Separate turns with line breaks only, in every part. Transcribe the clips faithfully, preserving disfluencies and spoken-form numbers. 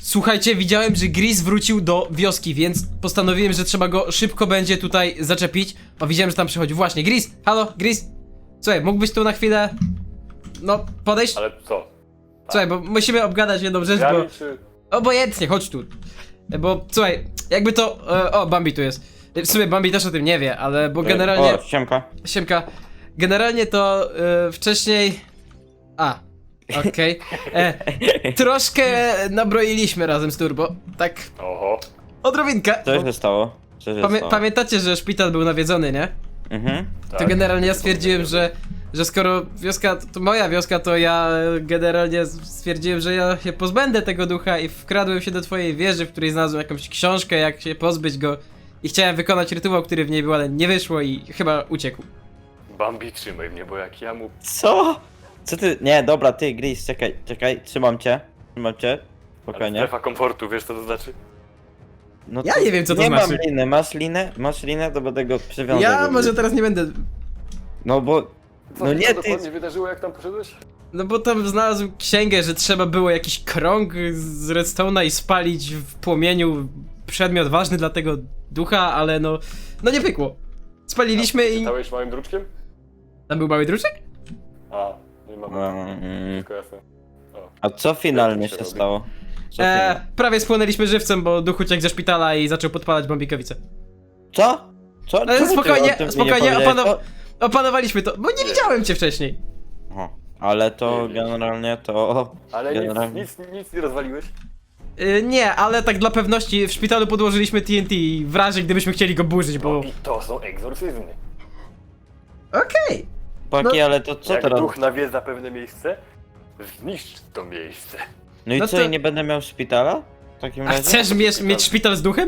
Słuchajcie, widziałem, że Gris wrócił do wioski, więc postanowiłem, że trzeba go szybko będzie tutaj zaczepić. O, widziałem, że tam przychodzi. Właśnie, Gris! Halo, Gris! Słuchaj, mógłbyś tu na chwilę... No, podejść?
Ale co?
Słuchaj, bo musimy obgadać jedną rzecz, bo...
Gami czy...
Obojętnie, chodź tu. Bo, słuchaj, jakby to... E, o, Bambi tu jest. W sumie Bambi też o tym nie wie, ale bo generalnie...
O, siemka.
Siemka. Generalnie to e, wcześniej... A, okej. E, Troszkę nabroiliśmy razem z Turbo. Tak,
Oho.
odrobinkę.
Co
bo
się stało? Co się
Pamię
stało?
pamiętacie, że szpital był nawiedzony, nie?
Mhm.
To
Tak.
generalnie ja stwierdziłem, że, że skoro wioska, to moja wioska, to ja generalnie stwierdziłem, że ja się pozbędę tego ducha i wkradłem się do twojej wieży, w której znalazłem jakąś książkę, jak się pozbyć go i chciałem wykonać rytuał, który w niej był, ale nie wyszło i chyba uciekł.
Bambi, trzymaj mnie, bo jak ja mu...
Co? Co ty? Nie, dobra, ty, Gris, czekaj, czekaj, trzymam cię. Trzymam cię. Spokojnie.
Strefa komfortu, wiesz co to znaczy?
No
Ja nie wiem, co to
nie
znaczy.
mam liny, masz linę? Masz linę, to będę go przywiązał.
Ja
do-
może teraz nie będę...
No bo...
Co
No
się
nie,
tam
ty...
dokładnie wydarzyło, jak tam poszedłeś?
No bo tam znalazł księgę, że trzeba było jakiś krąg z redstone'a i spalić w płomieniu przedmiot ważny dla tego ducha, ale no... No nie pykło. Spaliliśmy i...
Czytałeś małym druczkiem?
Tam był mały druczek?
A, nie mam.
Mm,
Wszystko jasne. O.
A co finalnie
Jak to
się
się robi?
stało? Co,
E,
finalnie?
prawie spłonęliśmy żywcem, bo duch uciekł ze szpitala i zaczął podpalać bombikowice.
co? Co?
Ale
Czemu ty
spokojnie,
o tym mi
spokojnie,
nie powiedziałeś?
opanow-
To-
Opanowaliśmy to, bo nie widziałem cię wcześniej.
O, ale to
Nie, nie.
generalnie to...
Ale nic,
Generalnie.
nic, nic nie rozwaliłeś?
Y, nie, ale tak dla pewności w szpitalu podłożyliśmy T N T w razie gdybyśmy chcieli go burzyć, bo...
I to są egzorcyzmy.
Okej.
Paki, ale to co
jak
teraz?
duch nawiedza pewne miejsce, zniszcz to miejsce.
No i
No
co,
to-
i nie będę miał szpitala? W takim
A
razie?
chcesz mieć, mieć szpital z duchem?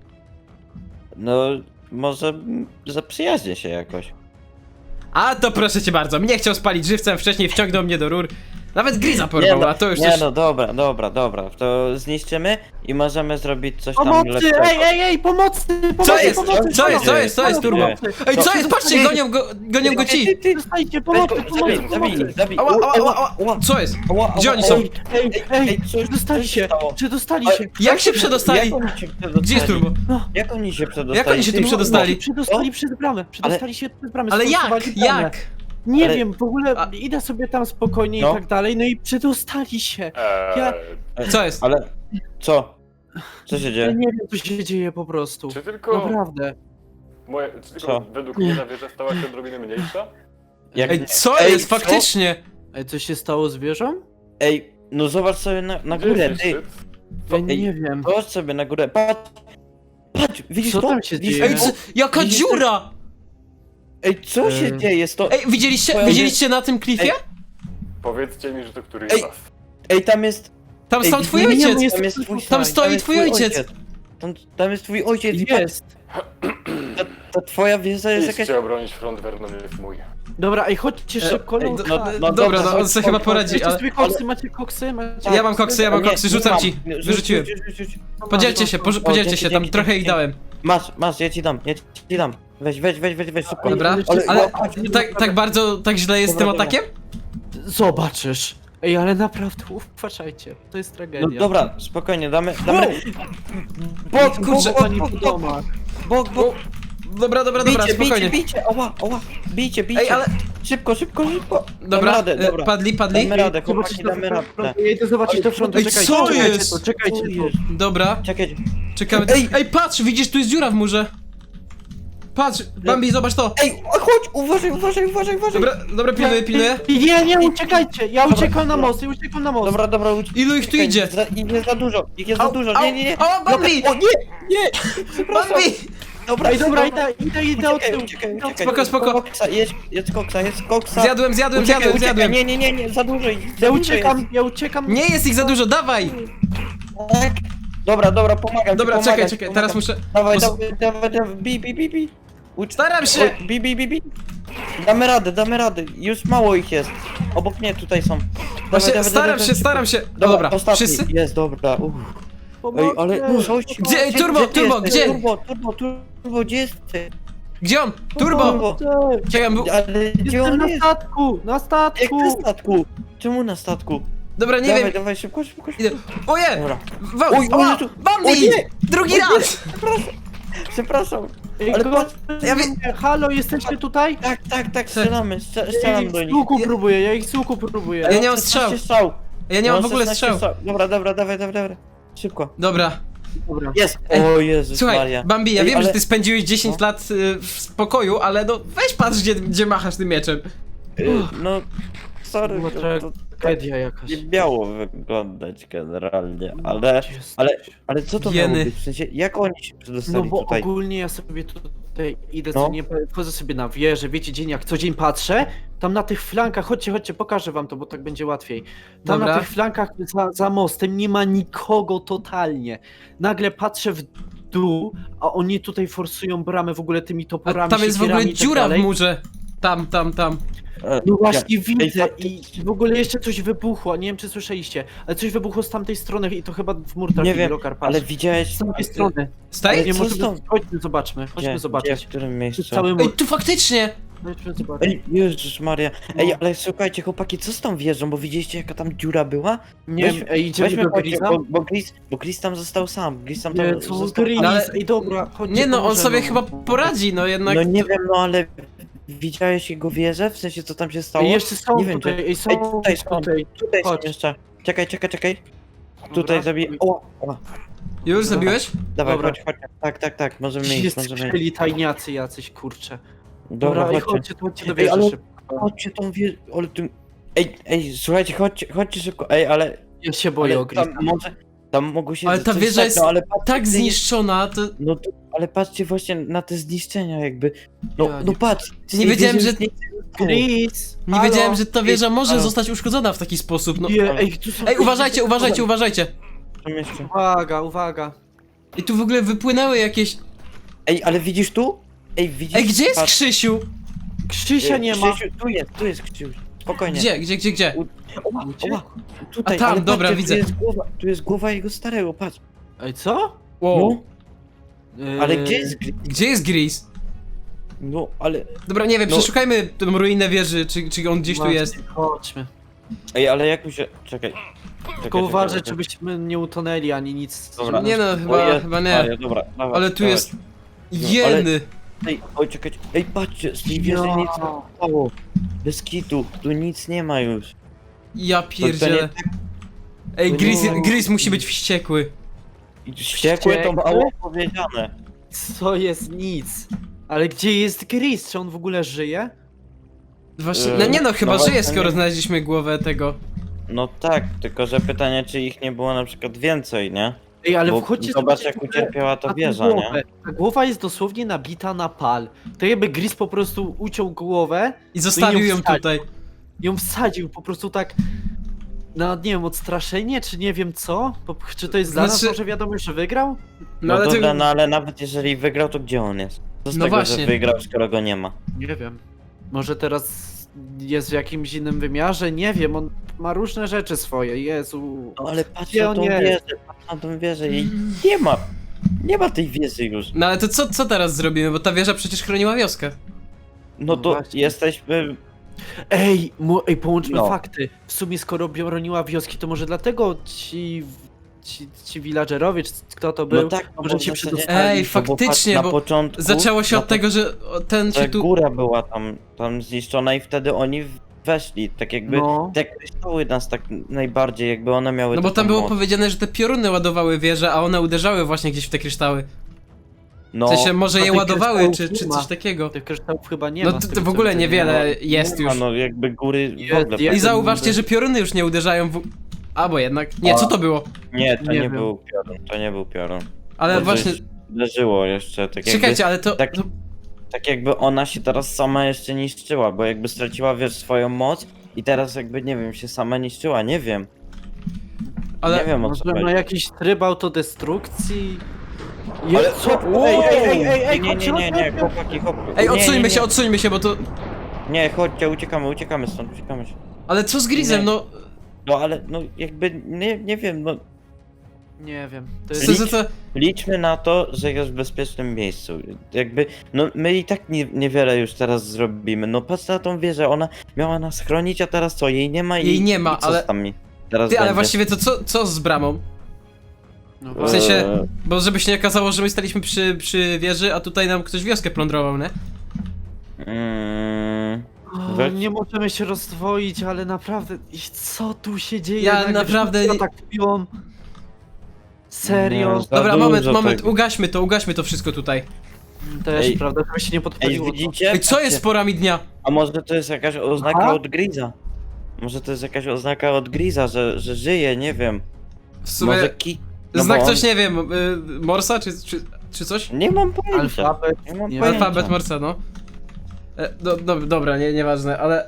No, może mm, zaprzyjaźnię się jakoś.
A to proszę cię bardzo, mnie chciał spalić żywcem, wcześniej wciągnął mnie do rur. Nawet Griza porwał,
no,
a to już
nie
coś...
no, dobra, dobra, dobra, to zniszczymy i możemy zrobić coś tam
Pomocy!
lepszego.
Ej, ej, ej, pomocy! pomocy
Co jest?
Pomocy,
Co jest? Co jest? Co jest, Turbo? Ej, co
Co?
jest? Patrzcie, gonią go, gonią go ci!
Ty, dostajcie, pomocy,
Zabij,
pomocy,
zabij,
pomocy!
zabij.
Ała, ała, ała,
Ała,
ała. Co jest?
ała,
Gdzie
ała,
oni są?
ej,
Ej, ej,
ej, co-
przedostali
co
się,
stało?
przedostali
Ale-
się!
Jak się przedostali?
Jak oni się przedostali?
Gdzie jest Turbo?
Jak oni się przedostali?
Jak oni się tu
Ty-
przedostali?
Przedostali przez bramę, przedostali się przez bramę.
Ale jak?
sforsowali bramę.
Jak?
Nie
Ale-
wiem, w ogóle
A-
idę sobie tam spokojnie
No.
i tak dalej, no i przedostali się.
Eee,
Ja-
Co jest?
Ale, co? Co się
Ja
dzieje?
nie wiem, co się dzieje po prostu.
Czy tylko,
Naprawdę.
moje, czy tylko
Co?
według mnie ta wieża stała się odrobinę mniejsza?
Jak...
Ej, co
Ej,
jest?
co?
Faktycznie!
Ej, co się stało z wieżą?
Ej, no zobacz sobie na, na
Gdzie
górę,
jest
ty.
szczyt?
Ja
Ej,
nie wiem.
Zobacz sobie na górę, patrz! Patrz, widzisz
Co
to?
tam się
Widzisz
dzieje?
Ej,
to?
co? Jaka
Widzisz
dziura!
Ej, co się
Ej.
dzieje? Sto...
Ej, widzieliście,
Ej,
widzieliście na tym klifie?
ej.
Powiedzcie mi, że to któryś
Ej.
z was.
Ej, tam jest...
Tam
Ej,
stał twój
nie, nie,
ojciec!
nie,
jest
Tam jest
tutaj.
twój,
Tam stoi
jest
twój ojciec.
Tam, tam jest twój ojciec i patrz,
Jest.
ta, ta twoja wieża jest jakaś...
Idźcie obronić front, Vernon jest mój.
Dobra, ej, chodźcie
E,
szybko,
ej,
no.
do-
no,
tak.
no,
Dobra,
dobra,
no on
chodź,
sobie
chodź,
chyba
chodź,
poradzi,
Macie
ale...
sobie koksy, macie koksy, macie...
Ja mam koksy, ja mam
Nie,
koksy,
nie
rzucam
mam.
ci.
Rzuć,
Wyrzuciłem.
rzuć, rzuć, rzuć.
Podzielcie się, poż- podzielcie
dzięki,
się, tam
dzięki,
trochę ich
dzięki.
dałem.
Masz, masz, ja ci dam, ja ci dam. Weź, weź, weź, weź, weź, szybko.
Dobra,
Ale-
ale
ale-
tak, tak bardzo, tak źle jest z tym
Dobra, dobra.
atakiem?
Zobaczysz. Ej, ale naprawdę, uważajcie, to jest tragedia.
No dobra, spokojnie, damy, damy...
Bok,
Bok,
kurczę,
bok,
Oni
bok,
w
bok,
domach.
bok, bok.
Dobra, dobra, dobra,
Bijcie, bijcie,
spokojnie.
bijcie, oła, oła, bijcie, bijcie.
Ej, ale...
Szybko, szybko, szybko.
Dobra,
Damy radę,
e,
dobra.
padli, padli.
Damy radę,
Zobaczyć
chłopaki,
do
damy radę.
frontu, ja idę zobaczyć do frontu,
Ej,
czekajcie,
co
czekajcie
jest?
tu, czekajcie tu.
Dobra,
Czekaj,
czekamy.
Ej!
Ej, patrz, widzisz, tu jest dziura w murze. Patrz, Bambi, zobacz to.
ej, chodź, uważaj, uważaj, uważaj, uważaj.
Dobra, dobra, pilnuję, pilnuję.
Nie, nie, uciekajcie, ja uciekam na most, ja uciekam na most.
Dobra, dobra, uciekaj.
Ilu ich tu idzie?
Za, ich jest za dużo, ich jest za
Au,
dużo,
au,
nie, nie, nie.
au, Bambi!
Dobra, o, nie, nie, przepraszam.
Bambi!
Dobra,
Ej, dobra, idę, idę, idę od
Uciekaj,
tyłu.
uciekaj,
idę od
uciekaj.
Spoko, spoko.
Koksa, jest, jest koksa, jest koksa.
Zjadłem, zjadłem,
Uciekaj,
zjadłem,
uciekaj.
zjadłem.
Nie, nie, nie, nie, za dużo ich, za
Ja
dużo
uciekam,
jest.
ja uciekam.
Nie jest ich za dużo, dawaj!
Tak. Dobra, dobra, pomagam
Dobra,
ci,
czekaj,
pomagam,
czekaj,
pomagam.
teraz muszę...
Dawaj,
mus-
dawaj, dawaj, dawaj, bi, bi, bi, bi. Ucz...
Staram się!
Oj, Bi, bi, bi, bi. Damy radę, damy radę, już mało ich jest. Obok mnie tutaj są. Dawaj,
Właśnie,
dawaj,
staram
dawaj,
się,
szybko.
staram się. No dobra,
ostatni.
wszyscy?
Jest, dobra, uff.
Pomocy.
Ej, ale coś...
Gdzie- ej, Turbo,
ty
Turbo,
jesteś?
gdzie?
Turbo, turbo, turbo, gdzie jesteś?
Gdzie on? Turbo!
Pomocy.
Czekaj, był...
Ale gdzie
Jestem
on
na
jest?
statku, na
Jak
statku.
na statku? Czemu na statku?
Dobra, nie
dawaj,
wiem.
dawaj, szybko, szybko, szybko.
Idę. Oje!
Dobra.
Wa-
Oj,
o,
oj, tu-
Bambi!
o nie!
Drugi
O nie!
raz!
Przepraszam.
Ej,
Ale
go-
patrz,
Ja wie-
Halo, jesteście tutaj?
tak, tak, tak, strzelamy, strze-
Ja
strzelam
ich
do
z
nich.
łuku próbuję, ja ich z łuku próbuję.
Ja nie mam
szesnaście
strzał. Ja nie mam w ogóle
szesnaście
strzał.
Dobra, dobra, dawaj, dawaj, dawaj. Szybko.
Dobra.
Dobra.
Jest!
Ej,
O Jezus
Słuchaj,
Maria.
Bambi, ja
Ej,
wiem,
ale-
że ty spędziłeś dziesięć
No.
lat y, w spokoju, ale no weź patrz, gdzie, gdzie machasz tym mieczem.
Y, No, sorry,
Była
to, to
tragedia jakaś.
nie miało wyglądać generalnie, ale, ale, ale co to
Jeny.
miało być? W sensie, jak oni się
No
przedostali
bo
tutaj?
ogólnie ja sobie tutaj idę,
No.
co nie, wchodzę sobie na wieżę, wiecie, dzień jak co dzień patrzę, tam na tych flankach, chodźcie, chodźcie, pokażę wam to, bo tak będzie łatwiej. Tam
Dobra.
na tych flankach za, za mostem nie ma nikogo totalnie. Nagle patrzę w dół, a oni tutaj forsują bramę w ogóle tymi
A
toporami,
tam jest w ogóle
siekierami i tak
dziura w
dalej.
murze. Tam, tam, tam.
E,
No właśnie
ja-
widzę
Ej,
i w ogóle jeszcze coś wybuchło, nie wiem czy słyszeliście, ale coś wybuchło z tamtej strony i to chyba w mur
Nie
trafił
wiem,
Lokar, patrz.
ale widziałeś...
Z tamtej strony.
Staj?
Nie
co
możemy,
stąd?
chodźmy zobaczmy,
Gdzie,
chodźmy
gdzie,
zobaczyć.
w którym miejscu?
Przez cały
Ej,
mur,
tu faktycznie!
chodźmy zobaczyć.
Ej, Jezus Maria. Ej,
No.
ale słuchajcie, chłopaki, co z tą wieżą? Bo widzieliście, jaka tam dziura była?
Nie
Weź-
wiem, ej, idziemy
Weźmy,
do
chodźcie,
Griza?
bo, bo, Gris, bo Gris tam został sam. Gris tam,
Nie,
tam
co
został
Griz,
No ale-
ej dobra, chodźcie,
Nie no, on
pomożemy
sobie
mu.
chyba poradzi, no jednak.
No nie wiem, no ale widziałeś jego wieżę? W sensie, co tam się stało?
Ej, jeszcze są
Nie wiem,
tutaj,
czy-
ej, są
Ej, tutaj są.
tutaj.
Tutaj są
chodź.
jeszcze. Czekaj, czekaj, czekaj.
Dobra.
Tutaj zabiję. O, o.
Już zabiłeś?
Dawaj,
Dobra.
chodź, chodź. Tak, tak, tak, możemy
Gdzie
iść,
jest
możemy iść.
skrzeli tajniacy jacyś, kurczę.
Dobra,
Dobra, ej,
chodźcie.
chodźcie, chodźcie do
Ej,
wieży
ale-
szybko.
Chodźcie tą wieżę, ale tu... Ej, ej, słuchajcie, chodźcie, chodźcie szybko. Ej, ale...
Ja się boję
ale
o Griza.
tam może... Tam mogło się
Ale ta
coś
wieża
stać,
jest
no, ale patrzcie,
Tak
ty nie-
zniszczona, to.
No to, ale patrzcie właśnie na te zniszczenia jakby. No,
Ja
no
nie-
patrz. z
Nie
tej
wiedziałem,
wieży
że-
już nie-
Griz!
Nie
halo?
wiedziałem, że ta wieża może
halo.
zostać uszkodzona w taki sposób, no.
Nie, ej, tu są...
Ej, uważajcie, uważajcie, uważajcie!
Tam jeszcze.
Uwaga, uwaga.
I tu w ogóle wypłynęły jakieś.
Ej, ale widzisz tu? Ej, widzisz?
Ej, gdzie jest
Patrz,
Krzysiu?
Krzysia
e,
nie ma.
Krzysiu, tu jest, tu jest Krzysiu. Spokojnie.
Gdzie, gdzie, gdzie, gdzie?
Oła, oła. Tutaj,
A tam,
ale
dobra,
patrzcie,
widzę.
Tu jest, głowa, tu jest głowa jego starego, patrz.
Ej, co?
Wow.
No, ale
Yy,
gdzie jest Gris?
Gdzie jest Gris?
No, ale...
Dobra, nie wiem,
No.
przeszukajmy tę ruinę wieży, czy, czy on gdzieś tu
właśnie,
jest.
Chodźmy.
Ej, ale jak mi się... Czekaj. Czekaj,
Tylko
czekaj,
uważaj,
czekaj.
żebyśmy nie utonęli ani nic.
Dobra.
Nie no,
O
chyba,
Jezu
chyba nie.
Maria, dobra, dawaj,
Ale tu
dawaj.
jest.
No, ale-
Jeny!
Ej, oj, czekajcie. Ej, patrzcie, z tej wieży
Ja.
nic nie zostało. Bez kitu, tu nic nie ma już.
Ja
To, to
pierdzielę.
nie tak
Ej,
to
Gris,
nie-
Gris musi być wściekły.
wściekłe to mało powiedziane.
Co jest nic? Ale gdzie jest Griz? Czy on w ogóle żyje?
Właśnie,
Yy,
no nie no, chyba
no
żyje,
właśnie
skoro
nie.
znaleźliśmy głowę tego.
No tak, tylko że pytanie, czy ich nie było na przykład więcej, nie?
Ej, ale
Bo
wchodźcie
zobacz,
zobaczcie
jak
w ogóle
ucierpiała ta
na tą
wieża, nie?
głowę. Ta głowa jest dosłownie nabita na pal. To jakby Griz po prostu uciął głowę,
I zostawił
ją
ją
wsadził.
tutaj.
ją wsadził po prostu tak na, nie wiem, odstraszenie, czy nie wiem co? Po, czy to jest dla nas
Znaczy-
może wiadomość, że wygrał?
No
No,
ale
dobra,
ty...
no ale nawet jeżeli wygrał, to gdzie on jest? Co z
No
tego,
właśnie.
że wygrał, skoro go nie ma?
Nie wiem. Może teraz jest w jakimś innym wymiarze? Nie wiem, on ma różne rzeczy swoje, Jezu.
No ale patrz
Gdzie
na
on
tą
jest?
wieżę, patrz na tą wieżę i nie ma. Nie ma tej wieży już.
No ale to co, co teraz zrobimy, bo ta wieża przecież chroniła wioskę.
No to
Właśnie.
jesteśmy...
Ej, mu, ej, połączmy
No.
fakty. W sumie skoro broniła wioski, to może dlatego ci, ci, ci villagerowie, czy kto to był,
No tak, no
może
bo w
się
zasadzie-
przedostali.
Ej,
No bo patrz,
faktycznie,
na
bo
początku,
zaczęło się
na
od tego, że o, ten
że
się tu...
góra była tam, tam zniszczona i wtedy oni weszli, tak jakby
No.
te kryształy nas tak najbardziej, jakby one miały
No bo
taką
tam było
moc.
powiedziane, że te pioruny ładowały wieże, a one uderzały właśnie gdzieś w te kryształy.
No,
W sensie może
a
je
tych
ładowały,
kryształów
czy,
nie
czy
ma.
coś takiego.
Tych kryształów chyba nie
No
ma. z
to,
tego,
to w
co
ogóle
widzę,
niewiele
nie
jest
ma,
już.
no jakby góry w
Jest,
ogóle...
jest.
I zauważcie, że pioruny już nie uderzają w... Albo jednak... Nie, co to było?
Nie, to
Nie
nie,
wiem.
był piorun, to nie był piorun.
Ale
To
właśnie...
coś uderzyło jeszcze, tak jakby,
Czekajcie, ale to...
tak-
to...
tak jakby ona się teraz sama jeszcze niszczyła, bo jakby straciła, wiesz, swoją moc i teraz jakby, nie wiem, się sama niszczyła, nie wiem.
Ale...
Nie wiem o co
Może ma
chodzi.
jakiś tryb autodestrukcji?
Ale
Je, co?
Wow!
Ej, ej, ej, ej, ej,
nie, nie, nie, nie, chłopaki, chłopaki.
Ej,
nie,
odsuńmy
nie,
się,
nie.
odsuńmy się, bo to...
Nie, chodźcie, uciekamy, uciekamy stąd, uciekamy się.
Ale co z Grisem,
Nie.
no...
No ale, no jakby, nie, nie wiem, no
Nie wiem, to
Co,
jest...
co, co...
liczmy na to, że jest w bezpiecznym miejscu. Jakby, no my i tak nie, niewiele już teraz zrobimy. No patrz na tą wieżę, ona miała nas chronić, a teraz co, jej nie ma i
Jej nie ma,
i co
ale-
z nami? teraz
Ty, ale
będzie.
właściwie to co, co z bramą?
No
W
właśnie.
sensie,
Eee,
bo żeby się nie okazało, że my staliśmy przy, przy wieży, a tutaj nam ktoś wioskę plądrował, nie?
mm,
O,
weź-
nie możemy się rozdwoić, ale naprawdę, i co tu się dzieje?
Ja
Nagle
naprawdę
wszyscy
nie-
atakują. Serio?
Nie, Za
Dobra,
dużo
moment, moment,
tego.
ugaśmy to, ugaśmy to wszystko tutaj.
Też,
Ej.
prawda, żeby się nie
Ej,
podpaliło. to.
widzicie?
Ej, co jest z porami dnia?
A może to jest jakaś oznaka
Aha.
od Griza? Może to jest jakaś oznaka od Griza, że, że żyje, nie wiem.
W sumie,
Może ki... no
znak
bo on-
coś, nie wiem, y, Morsa, czy, czy, czy coś?
Nie mam pojęcia.
Alfabet,
Nie mam
nie
pojęcia.
Alfabet Morsa, no. E, do, do, dobra, nie, nieważne, ale...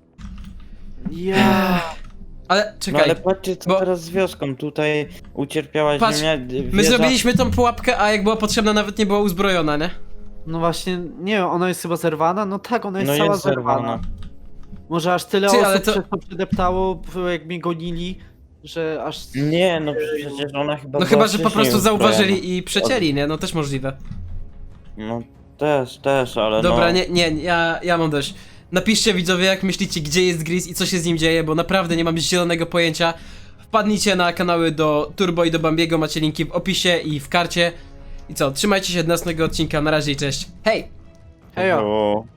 Ja.
Ale,
No
czekaj,
ale patrzcie co
bo-
teraz z wioską, tutaj ucierpiała
Patrz,
ziemia,
my
wieża-
zrobiliśmy tą pułapkę, a jak była potrzebna, nawet nie była uzbrojona, nie?
No właśnie, nie wiem, ona jest chyba zerwana? No tak, ona jest
No
cała
jest
zerwana.
zerwana.
Może aż tyle
Ty,
osób
ale to-
przez to przedeptało, jak mnie gonili, że aż...
Nie, no przecież ona chyba
No
była
chyba, że po
wcześniej
prostu
uzbrojona.
zauważyli i przecięli, nie? No też możliwe.
No też, też, ale
Dobra,
no...
nie, nie, ja, ja mam dość. Napiszcie widzowie, jak myślicie, gdzie jest Gris i co się z nim dzieje, bo naprawdę nie mam zielonego pojęcia. Wpadnijcie na kanały do Turbo i do Bambiego, macie linki w opisie i w karcie. I co, trzymajcie się do następnego odcinka, na razie i cześć. Hej!
Hejo.
Było-